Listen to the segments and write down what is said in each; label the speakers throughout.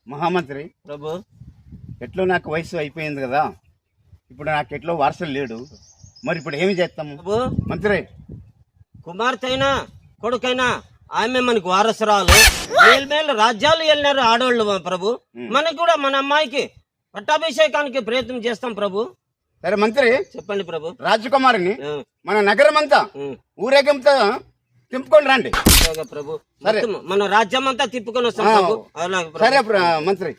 Speaker 1: మహామంత్రి
Speaker 2: ప్రభు.
Speaker 1: ఎట్లో నాకు వయసు అయిపోయింది కదా, ఇప్పుడు నాకు ఎట్లో వారసులు లేడు, మరి ఇప్పుడు ఏమి చేస్తాము
Speaker 2: ప్రభు,
Speaker 1: మంత్రి?
Speaker 2: కుమార్తె అయినా కొడుకైనా ఆమె మనకు వారసురాలు. మేలు రాజ్యాలు వెళ్ళినారు ఆడవాళ్ళు ప్రభు. మనకి కూడా మన అమ్మాయికి పట్టాభిషేకానికి ప్రయత్నం చేస్తాం ప్రభు.
Speaker 1: సరే మంత్రి,
Speaker 2: చెప్పండి ప్రభు.
Speaker 1: రాజకుమారిని మన నగరం అంతా ఊరేగింపుతో తింపుకొని రండి.
Speaker 2: ప్రభు,
Speaker 1: సరే
Speaker 2: మన రాజ్యం అంతా తిప్పుకొని వస్తాం ప్రభు. అలాగే
Speaker 1: సరే మంత్రి.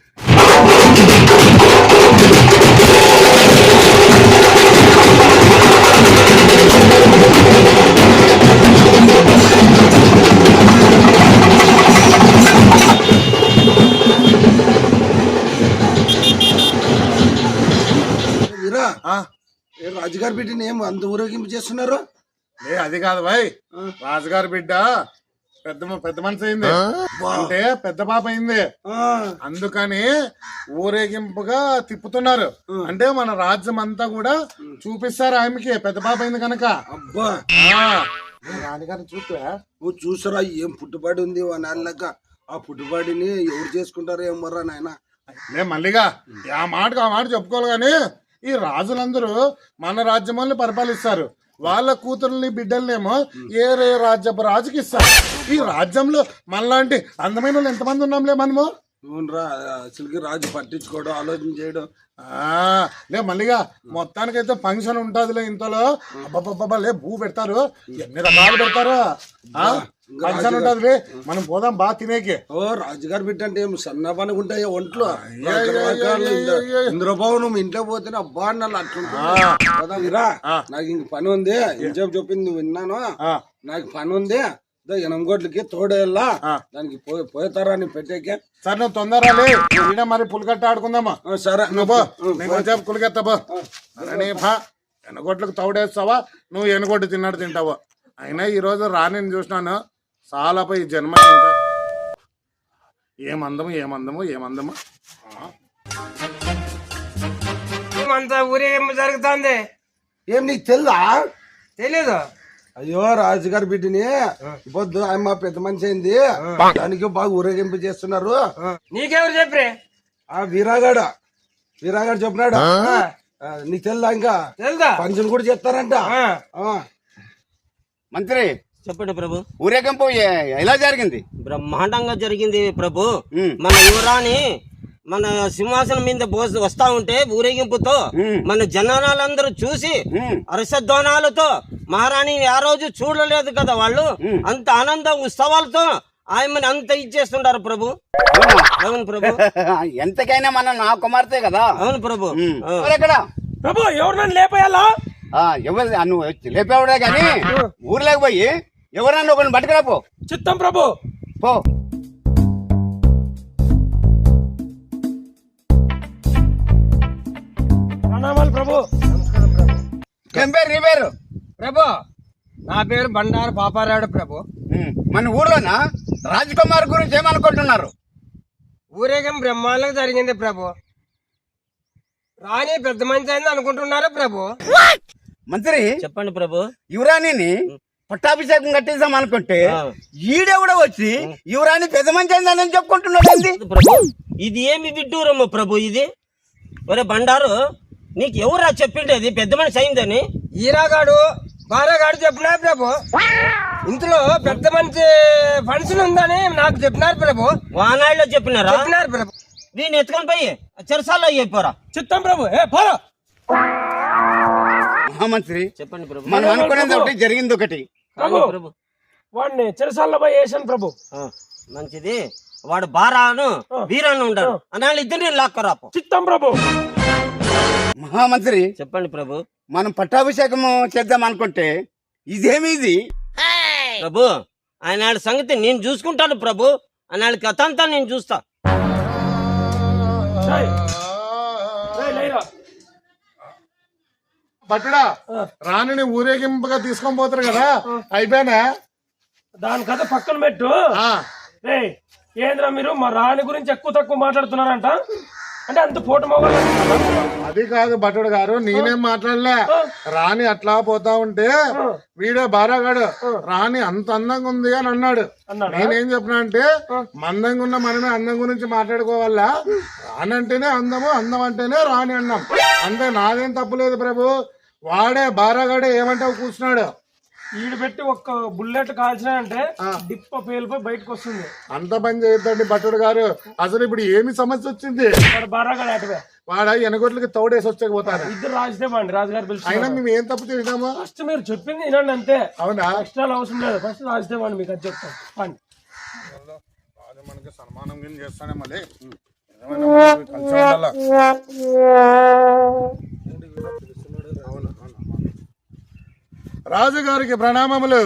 Speaker 3: రాజుగారి బిడ్డని ఏం అంత ఊరేగింపు చేస్తున్నారు?
Speaker 4: అది కాదు భాయ్, రాజుగారి బిడ్డ పెద్ద మనిషి అయింది అంటే పెద్ద పాప అయింది, అందుకని ఊరేగింపుగా తిప్పుతున్నారు. అంటే మన రాజ్యం అంతా కూడా చూపిస్తారు ఆమెకి, పెద్ద పాప అయింది కనుక.
Speaker 3: అబ్బా
Speaker 4: రాణిగారిని చూస్తా
Speaker 3: నువ్వు చూసారా ఏం పుట్టుబడి ఉంది నాన్నక? ఆ పుట్టుబడిని ఎవరు చేసుకుంటారో ఏమర్రా నాయన.
Speaker 4: లే మల్లిగా ఆ మాట చెప్పుకోవాలి గాని, ఈ రాజులందరూ మన రాజ్యం పరిపాలిస్తారు, వాళ్ళ కూతుర్ని బిడ్డలనేమో ఏ రాజ్యపు రాజుకి ఇస్తారు. ఈ రాజ్యంలో మనలాంటి అందమైన వాళ్ళు ఎంతమంది ఉన్నాంలే మనము.
Speaker 3: అసలుకి రాజు పట్టించుకోవడం, ఆలోచన చేయడం.
Speaker 4: లే మల్లిగా మొత్తానికైతే ఫంక్షన్ ఉంటదిలే ఇంతలో. అబ్బబ్బబ్బా లే భూ పెడతారు, ఎన్ని రకాలు పెడతారు. ఫంక్షన్ ఉంటది, మనం పోదాం బాగా తినేకి.
Speaker 3: ఓ రాజుగారి బిడ్డ అంటే ఏం సన్నపని ఉంటాయి ఒంట్లో. ఇంద్రభవనం ఇంట్లో పోతేనే అబ్బా అన్నాళ్ళు అట్లుంటా. నాకు ఇంక పని ఉంది, ఇంచేపు చెప్పింది నువ్వు విన్నాను. నాకు పని ఉంది, ఎనమగొడ్లకి తోడేళ్ళ దానికి పోతారా అని పెట్టేకే.
Speaker 4: సరే నువ్వు తొందరగా మరి పులికట్ట ఆడుకుందామా?
Speaker 3: సరే
Speaker 4: నువ్వు నేను పులికెత్తాబో. ఎనగొడ్లకు తోడేస్తావా, నువ్వు ఎనగొడ్డు తిన్నాడు తింటావా? అయినా ఈ రోజు రాణిని చూసినాను, చాలా ఈ జన్మ ఇంకా ఏమందము
Speaker 5: అంతా ఊరేగింపు జరుగుతుంది.
Speaker 3: ఏం నీకు తెల్దా?
Speaker 5: తెలీదు.
Speaker 3: అయ్యో రాజుగారి బిడ్డని పొద్దు అమ్మ పెద్ద మనిషి అయింది, దానికి బాగా ఊరేగింపు చేస్తున్నారు.
Speaker 5: నీకెవరు చెప్పరే?
Speaker 3: ఆ వీరాగాడు చెప్పినాడు. నీకు తెల్దా? ఇంకా
Speaker 5: తెల్దా?
Speaker 3: ఫంక్షన్ కూడా చేస్తారంట.
Speaker 1: మంత్రి
Speaker 2: చెప్పండి ప్రభు.
Speaker 1: ఊరేగింపు ఎలా జరిగింది?
Speaker 2: బ్రహ్మాండంగా జరిగింది ప్రభు. మన యువరాణి మన సింహాసనం మీద వస్తా ఉంటే ఊరేగింపుతో మన జనాలందరూ చూసి హర్షధ్వానాలతో, మహారాణి ఆ రోజు చూడలేదు కదా వాళ్ళు, అంత ఆనంద ఉత్సవాలతో ఆయమని అంత ఇచ్చేస్తుంటారు ప్రభు. అవును ప్రభు.
Speaker 1: ఎంతకైనా మన నా కుమార్తె కదా.
Speaker 2: అవును ప్రభు.
Speaker 1: ఎక్కడ
Speaker 5: ప్రభు ఎవరు లేపేయాలా?
Speaker 1: ఎవరు నువ్వు లేపేవాడే కానీ ఊర్లోకి పోయి ఎవరన్నా ఒకరిని పట్టుకురా పో.
Speaker 5: చిత్తం ప్రభు.
Speaker 1: పో.
Speaker 5: ప్రణామాలు ప్రభు.
Speaker 1: ఏం పేరు నీ పేరు?
Speaker 5: ప్రభు నా పేరు బండారు పాపారాయుడు ప్రభు.
Speaker 1: మన ఊర్లోనా రాజకుమార్ గురించి ఏమనుకుంటున్నారు?
Speaker 5: ఊరేగం బ్రహ్మాండంగా జరిగింది ప్రభు. రాణి పెద్ద మంచి అయింది అనుకుంటున్నారా ప్రభు?
Speaker 1: మంత్రి
Speaker 2: చెప్పండి ప్రభు.
Speaker 1: యువరాణిని పట్టాభిషేకం కట్టిద్దాం అనుకుంటే ఈడే కూడా వచ్చి యువరాణి పెద్ద మంచి అయిందని చెప్పుకుంటున్నాడు
Speaker 2: ప్రభు. ఇది ఏమి విడ్డూరమ్మ ప్రభు ఇది? ఒరే బండారు, నీకు ఎవరా చెప్పిండేది పెద్ద మనిషి అయిందని?
Speaker 5: ఈరాగాడు బారాగాడు చెప్పినారు ప్రభు. ఇంట్లో పెద్ద మంచి ఫంక్షన్ ఉందని నాకు చెప్పినారు ప్రభు.
Speaker 2: వానాళ్ళలో చెప్పినారు
Speaker 5: ప్రభు.
Speaker 2: దీన్ని ఎత్తుకొని పోయి చెరసాల్లో అయిపోరా.
Speaker 5: చిత్తం ప్రభు. పోరా.
Speaker 1: మహామంత్రి
Speaker 2: చెప్పండి ప్రభు.
Speaker 1: మనం అనుకునేది ఒకటి, జరిగింది ఒకటి.
Speaker 5: ప్రభు వాడిని చెరసాల్లో పోయి వేసాను ప్రభు.
Speaker 2: మంచిది. వాడు బారాను వీరాను ఉంటాడు అన్నాళ్ళు ఇద్దరిని లాక్కరాపు.
Speaker 5: చిత్తం ప్రభు.
Speaker 1: మహామంత్రి
Speaker 2: చెప్పండి ప్రభు.
Speaker 1: మనం పట్టాభిషేకం చేద్దాం అనుకుంటే ఇదేమి ఇది
Speaker 2: ప్రభు? ఆయన సంగతి నేను చూసుకుంటాను ప్రభు. ఆయన కథ అంతా నేను చూస్తా.
Speaker 4: పట్టుడా రాణిని ఊరేగింపుగా తీసుకొని పోతారు కదా, అయిపోయినా
Speaker 5: దాని కథ పక్కన పెట్టు. ఏంద్రా మీరు మా రాణి గురించి ఎక్కువ తక్కువ మాట్లాడుతున్నారంట? అంటే అంత ఫోటో మొగలు
Speaker 4: అది కాదు భటుడు గారు, నేనేం మాట్లాడలే. రాణి అట్లా పోతా ఉంటే వీడే బారాగాడు రాణి అంత అందంగా ఉంది అని అన్నాడు. నేనేం చెప్పినా అంటే మందంగా ఉన్న మనమే అందం గురించి మాట్లాడుకోవాలా. రాణి అంటేనే అందము, అందం అంటేనే రాణి అన్నాం అంతే. నాదేం తప్పులేదు ప్రభు. వాడే బారాగాడే ఏమంటావు కూర్చున్నాడు.
Speaker 5: ఈడు పెట్టి ఒక్క బుల్లెట్ కాల్చినాయంటే డిప్ప పేలిపోయి బయటకు వస్తుంది.
Speaker 4: అంత పని చేయొద్దండి భటుడు గారు. అసలు ఇప్పుడు ఏమి సమస్య వచ్చింది?
Speaker 5: వాడు బారాగాడు అటువే
Speaker 4: వాడ ఎనగొట్లకి తోడేసి వచ్చకపోతారు.
Speaker 5: ఇద్దరు రాజుదేమండి రాజుగారు పిలిచి
Speaker 4: అయినా మేము ఏం తప్పు చేద్దాము?
Speaker 5: ఫస్ట్ మీరు చెప్పింది వినండి అంతే.
Speaker 4: అవునా?
Speaker 5: ఎక్స్ట్రాలు అవసరం లేదు. ఫస్ట్ రాజుదేమండి మీకు అది చెప్తాను. పండి
Speaker 4: మనకి సన్మానం గిన్ చేస్తానే మళ్ళీ కలిసి ఉండాలా. రాజుగారికి ప్రణామములు.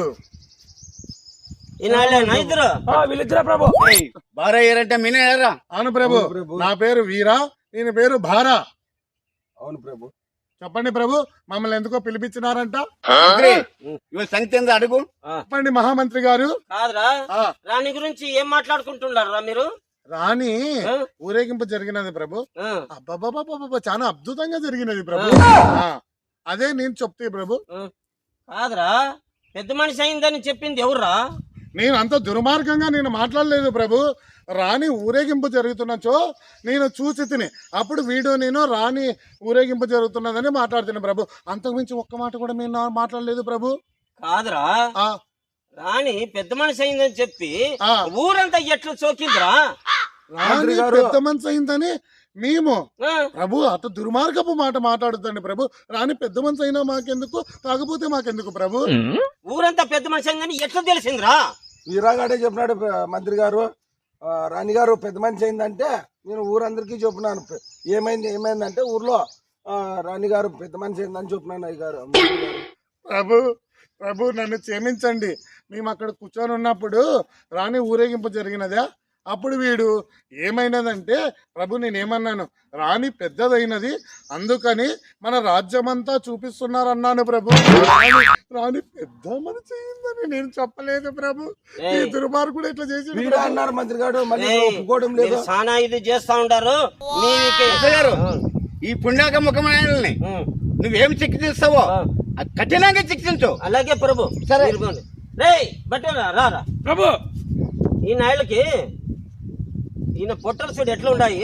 Speaker 2: ఈనాళ్ళేనా ఇద్దరు?
Speaker 5: వీళ్ళిద్దరా ప్రభు?
Speaker 1: బారా ఏరంటే మీనేరా?
Speaker 4: అవును ప్రభు. నా పేరు వీరా, నేను పేరు భారా.
Speaker 3: అవును ప్రభు.
Speaker 4: చెప్పండి ప్రభు, మమ్మల్ని ఎందుకో పిలిపించినారంట?
Speaker 1: ఇవాళ సంగతి ఏందో అడుగు.
Speaker 4: చెప్పండి మహామంత్రి గారు.
Speaker 2: కాదురా, రాణి గురించి ఏం మాట్లాడుకుంటున్నారా మీరు?
Speaker 4: రాణి ఊరేగింపు జరిగినది ప్రభు. అబ్బబ్బబ్బబ్బ చాలా అద్భుతంగా జరిగినది ప్రభు. అదే నేను చెప్తే ప్రభు.
Speaker 2: కాదురా, పెద్ద మనిషి అయిందని చెప్పింది ఎవర్రా?
Speaker 4: నేను అంత దుర్మార్గంగా నేను మాట్లాడలేదు ప్రభు. రాణి ఊరేగింపు జరుగుతున్నచో నేను చూసి తిని అప్పుడు వీడియో నేను రాణి ఊరేగింపు జరుగుతున్నదని మాట్లాడుతున్నాను ప్రభు. అంతకుమించి ఒక్క మాట కూడా నేను మాట్లాడలేదు ప్రభు.
Speaker 2: కాదురా, రాణి పెద్ద మనిషి అయిందని చెప్పి ఊరంతా ఎట్లా చోకిందిరా?
Speaker 4: రాణి పెద్ద మనిషి అయిందని మేము ప్రభు అత దుర్మార్గపు మాట మాట్లాడుతండి ప్రభు. రాణి పెద్ద మనిషి అయినా మాకెందుకు, కాకపోతే మాకెందుకు ప్రభు?
Speaker 2: ఊరంతా పెద్ద మనిషి అయిందని ఎట్లా తెలిసిందిరా?
Speaker 3: వీరాగాడే చెప్పినాడు మంత్రి గారు. రాణి గారు పెద్ద మనిషి అయిందంటే నేను ఊరందరికీ చెప్పినాను. ఏమైందంటే ఊర్లో రాణి గారు పెద్ద మనిషి అయిందని చెప్పినాను అయ్య
Speaker 4: ప్రభు. ప్రభు నన్ను క్షమించండి. మేము అక్కడ కూర్చొని ఉన్నప్పుడు రాణి ఊరేగింపు జరిగినదా? అప్పుడు వీడు ఏమైనదంటే ప్రభు నేనేమన్నాను, రాణి పెద్దదైనది అందుకని మన రాజ్యమంతా చూపిస్తున్నారన్నాను ప్రభు. రాణి పెద్ద మనిషి అయిందని నేను చెప్పలేదు ప్రభు. ఈ దుర్మార్గుడు ఇట్లా చేసి
Speaker 3: అన్నారు మంత్రి గారు. ఒప్పుకోవడం లేదు.
Speaker 2: చాలా ఇది చేస్తా ఉంటారు
Speaker 1: గారు. ఈ పుణ్యాక ముఖమైనల్ని నువ్వేం శిక్షిస్తావో కఠినంగా శిక్షించు.
Speaker 2: అలాగే ప్రభు.
Speaker 1: సరే
Speaker 2: బట్టరా రారా
Speaker 5: ప్రభు.
Speaker 2: ఈ నాళ్ళకి ఈయన పొట్టలు చూడు ఎట్లా ఉన్నాయి.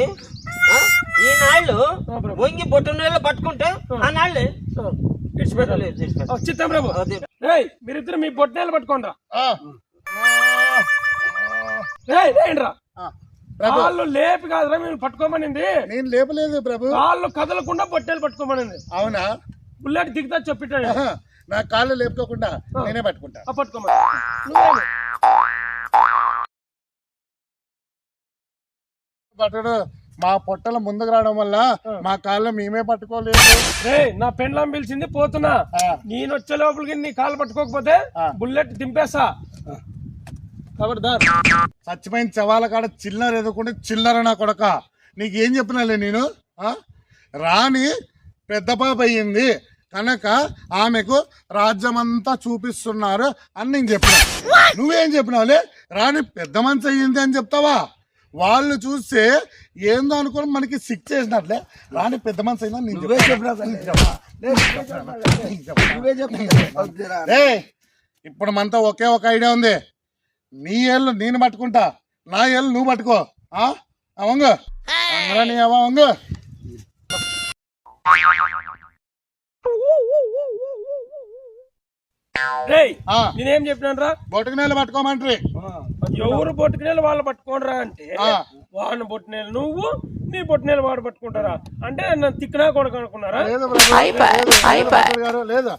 Speaker 2: ఈ నాళ్ళు వంగి పొట్టు నీళ్ళు పట్టుకుంటే ఆ నాళ్ళే
Speaker 5: చిత్తం ప్రభు. మీరిద్దరు మీ బొట్టేళ్ళు పట్టుకోండి రా. వాళ్ళు లేపి కాదురా మేము పట్టుకోమనింది.
Speaker 4: నేను లేపలేదు ప్రభు.
Speaker 5: వాళ్ళు కదలకుండా బొట్టేలు పట్టుకోమనింది.
Speaker 4: అవునా?
Speaker 5: బుల్లెట్ దిగుతా చెప్పిట్టాడు.
Speaker 4: నా కాళ్ళు లేపుకోకుండా నేనే పట్టుకుంటా.
Speaker 5: పట్టుకోమని
Speaker 4: పట్టుడు మా పొట్టల ముందుకు రావడం వల్ల మా కాళ్ళు మేమే పట్టుకోలేదు.
Speaker 5: నా పెండ్లం పిలిచింది పోతున్నా. నేను వచ్చే లోపలికి నీ కాళ్ళు పట్టుకోకపోతే బుల్లెట్ దింపేస్తా.
Speaker 4: చచ్చిపోయిన చవాల కాడ చిల్లర ఎదుకుంటే చిల్లర నా కొడక. నీకేం చెప్పినాలే నేను. రాణి పెద్ద పాప అయ్యింది కనుక ఆమెకు రాజ్యమంతా చూపిస్తున్నారు అని నేను చెప్పిన. నువ్వేం చెప్పినావులే? రాణి పెద్ద మనిషి అయ్యింది అని చెప్తావా? వాళ్ళు చూస్తే ఏందో అనుకోని మనకి సిక్ చేసినట్లే. రాణి పెద్ద మనిషి అయినా ఇప్పుడు మనతో ఒకే ఒక ఐడియా ఉంది. నీ ఏళ్ళు నేను పట్టుకుంటా, నా ఏళ్ళు నువ్వు పట్టుకో. అవంగు నీ అవంగు.
Speaker 5: నేనేం చెప్పినాను రా?
Speaker 4: బొట్టుకునేళ్ళు పట్టుకోమంటారు.
Speaker 5: ఎవరు బొట్టుకునేళ్ళు వాళ్ళు పట్టుకోండిరా అంటే వాడిని బొట్టునేళ్ళు నువ్వు, నీ బొట్టునేళ్ళు వాడు పట్టుకుంటారా అంటే నన్ను తిక్కనా కొడుకు అనుకున్నారా?
Speaker 4: లేదా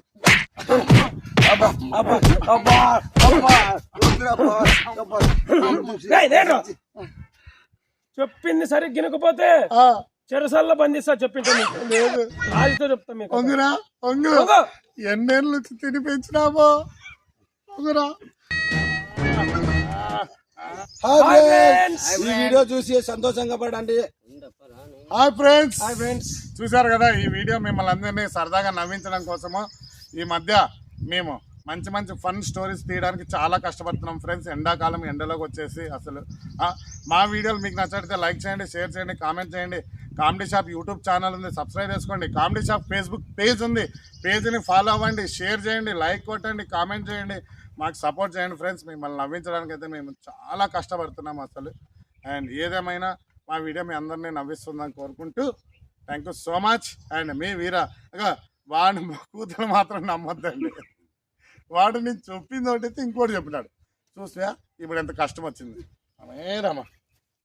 Speaker 5: చెప్పింది సరిగ్గా గినకపోతే చెరసల్లో బంధిస్తా. చెప్పింది రాజుతో చెప్తా మీకు.
Speaker 4: ఎన్నేళ్ళ నుంచి తిని పెంచినామో.
Speaker 3: ఈ వీడియో చూసి సంతోషంగా పడండి.
Speaker 4: హాయ్ ఫ్రెండ్స్, చూసారు కదా ఈ వీడియో మిమ్మల్ని అందరినీ సరదాగా నవ్వించడం కోసము. ఈ మధ్య మేము మంచి మంచి ఫన్ స్టోరీస్ తీయడానికి చాలా కష్టపడుతున్నాం ఫ్రెండ్స్. ఎండాకాలం ఎండలోకి వచ్చేసి అసలు మా వీడియోలు మీకు నచ్చితే లైక్ చేయండి, షేర్ చేయండి, కామెంట్ చేయండి. కామెడీ షాప్ యూట్యూబ్ ఛానల్ ఉంది, సబ్స్క్రైబ్ చేసుకోండి. కామెడీ షాప్ ఫేస్బుక్ పేజ్ ఉంది, పేజ్ని ఫాలో అవ్వండి, షేర్ చేయండి, లైక్ కొట్టండి, కామెంట్ చేయండి, మాకు సపోర్ట్ చేయండి ఫ్రెండ్స్. మిమ్మల్ని నవ్వించడానికి అయితే మేము చాలా కష్టపడుతున్నాం అసలు. అండ్ ఏదేమైనా మా వీడియో మీ అందరినీ నవ్విస్తుందని కోరుకుంటూ thank you so much. And మీ వీరా వాడిని కూతురు మాత్రం నమ్మొద్దండి. వాడు నేను చెప్పింది ఒకటి ఇంకోటి చెప్పినాడు చూసా. ఇప్పుడు ఎంత కష్టం వచ్చింది. రమా